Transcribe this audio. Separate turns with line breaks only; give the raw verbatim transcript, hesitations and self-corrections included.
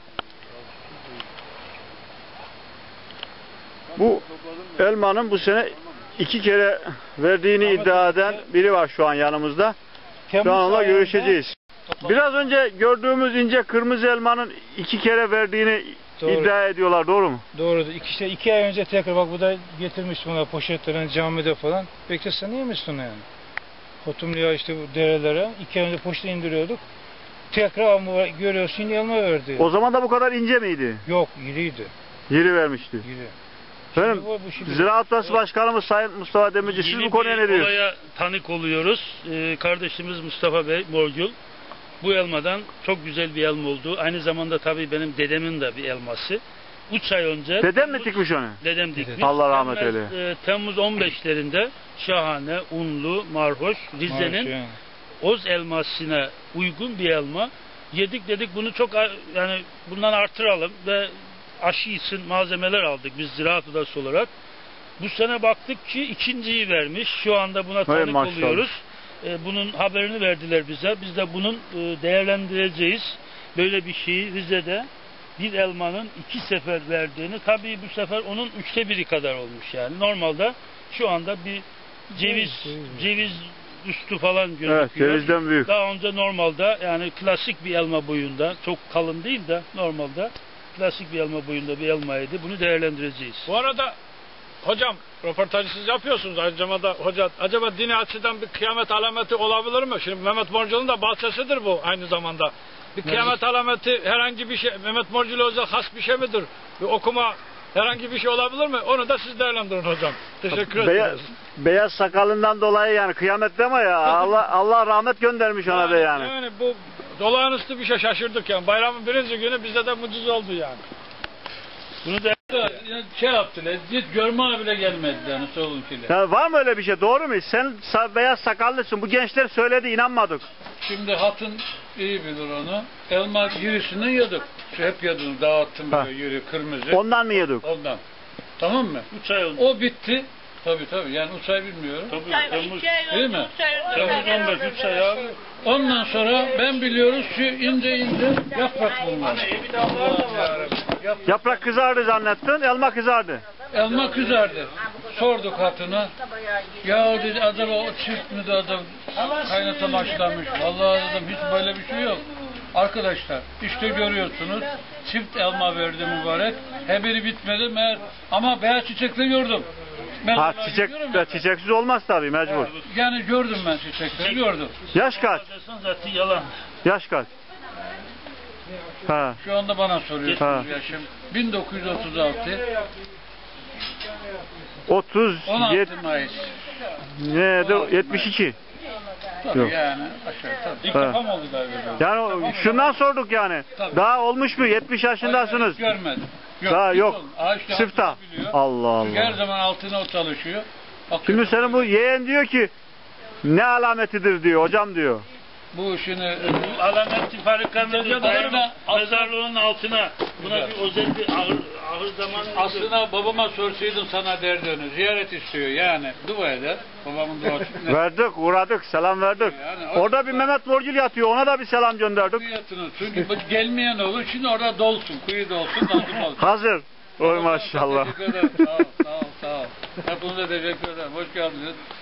Bu elmanın bu sene iki kere verdiğini iddia eden biri var şu an yanımızda. Şu an onunla görüşeceğiz. Biraz önce gördüğümüz ince kırmızı elmanın iki kere verdiğini doğru iddia ediyorlar, doğru mu?
Doğru. İki, işte iki ay önce tekrar bak bu da getirmiştim ona poşetlerini camide falan. Beklesen iyi misin yani? Hotumluya işte bu derelere iki ay önce poşeti indiriyorduk. Tekrar ama görüyorsun elma verdi.
O zaman da bu kadar ince miydi?
Yok, iriydi.
İri vermişti.
İri.
Efendim, Ziraat Odası Başkanımız Sayın Mustafa Demirci, siz bu konuya ne diyorsunuz?
Olaya tanık oluyoruz. Ee, kardeşimiz Mustafa Bey Morgül bu elmadan çok güzel bir elma oldu. Aynı zamanda tabii benim dedemin de bir elması. üç ay önce...
Dedem mi dikmiş onu?
Dedem dikmiş.
Allah rahmet eyle.
E, Temmuz on beşlerinde şahane, unlu, marhoş, Rize'nin Oz elmasına uygun bir elma. Yedik dedik bunu çok yani bundan artıralım ve aşı için malzemeler aldık biz Ziraat Odası olarak. Bu sene baktık ki ikinciyi vermiş. Şu anda buna tanık
Hay
oluyoruz. Ee, bunun haberini verdiler bize. Biz de bunun e, değerlendireceğiz. Böyle bir şeyi Rize'de bir elmanın iki sefer verdiğini, tabii bu sefer onun üçte biri kadar olmuş yani. Normalde şu anda bir ceviz ceviz üstü falan gözüküyor.
Evet, cevizden büyük.
Daha önce normalde yani klasik bir elma boyunda, çok kalın değil de normalde klasik bir elma boyunda bir elmaydı. Bunu değerlendireceğiz.
Bu arada hocam röportajı siz yapıyorsunuz. Acaba da hoca acaba dini açıdan bir kıyamet alameti olabilir mi? Şimdi Mehmet Morcul'un da bahçesidir bu aynı zamanda. Bir kıyamet alameti herhangi bir şey Mehmet Morcul özel has bir şey midir? Bir okuma herhangi bir şey olabilir mi? Onu da siz değerlendirin hocam. Teşekkür
Beyaz,
ederiz.
beyaz sakalından dolayı yani kıyamet deme ya. Allah Allah rahmet göndermiş ona
yani,
da yani.
Yani bu olağanüstü bir şey, şaşırdık yani. Bayramın birinci günü bizde de mucize oldu yani.
Bunu da
şey yaptılar, git görme bile gelmedi yani solunkiler.
Ya var mı öyle bir şey, doğru mu? Sen beyaz sakallısın, bu gençler söyledi, inanmadık.
Şimdi hatun iyi bilir onu. Elma yürüsünü yedik. Şu hep yedim, dağıttım böyle yürü kırmızı.
Ondan mı yedik?
Ondan. Tamam mı?
üç ay oldu.
O bitti. Tabii tabii yani üç ay bilmiyorum.
Tabii, Temmuz,
değil mi?
Temmuz on beş, üç ay abi.
Ondan sonra ben biliyoruz şu ince ince yaprak bunlar.
Yaprak kızardı zannettin, elma kızardı.
Elma kızardı. Sorduk hatuna. Ya dedi acaba o çift mi de adam kaynata başlamış. Vallahi dedim hiç böyle bir şey yok. Arkadaşlar işte görüyorsunuz çift elma verdi mübarek. Her biri bitmedi meğer ama beyaz çiçekleri gördüm.
Ha çiçek, çiçeksiz olmaz tabii mecbur.
Yani gördüm ben çiçekleri gördüm.
Yaş kaç?
Zaten yalan.
Yaş kaç? Ha.
Şu anda bana soruyorsunuz yaşım. bin dokuz yüz otuz altı.
otuz
yedi Mayıs.
Ne yetmiş iki.
Tabii
yok.
Yani aşağı tabii.
İlk defa mı oldu galiba?
Yani şundan sorduk yani. Tabii. Daha olmuş mu? yetmiş yaşındasınız.
Hayır, görmedim. Yok,
daha yok.
Işte
Sıfta. Allah Allah.
Çünkü her zaman altına o çalışıyor. Bakıyor.
Şimdi senin bu yeğen diyor ki ne alametidir diyor hocam diyor.
Bu işini
bu alameti farikanın mezarlığının altına buna bir özel bir ağır, ağır zaman
aslında babama sorsaydın sana derdi onu. Ziyaret istiyor yani. Dua eder. Babamın duası.
Verdik, uğradık, selam verdik. Yani, orada bir Mehmet Morgül yatıyor. Ona da bir selam gönderdik.
Çünkü gelmeyen olur. Şimdi orada dolsun. Kuyu dolsun. dolsun.
Hazır. Oy maşallah.
Teşekkür ederim. Sağ ol, sağ ol, sağ ol. Hepinize teşekkür ederim. Hoş geldiniz.